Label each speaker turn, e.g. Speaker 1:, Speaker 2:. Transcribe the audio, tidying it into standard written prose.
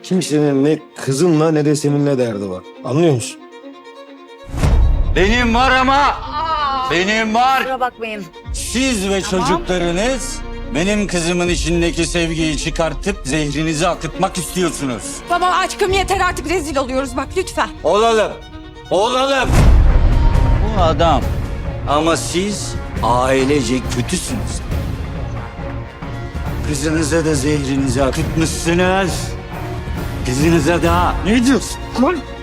Speaker 1: Kimsenin ne kızımla ne de seninle derdi var. Anlıyor musun?
Speaker 2: Benim var ama. Benim var.
Speaker 3: Kusura bakmayın.
Speaker 2: Siz ve çocuklarınız benim kızımın içindeki sevgiyi çıkartıp zehrinizi akıtmak istiyorsunuz.
Speaker 4: Baba aşkım yeter artık rezil oluyoruz bak lütfen.
Speaker 2: Olalım. Olalım. Bu adam. Ama siz ailece kötüsünüz. Kızınıza da zehrinizi akıtmışsınız. Kızınıza da. Ne diyorsun lan?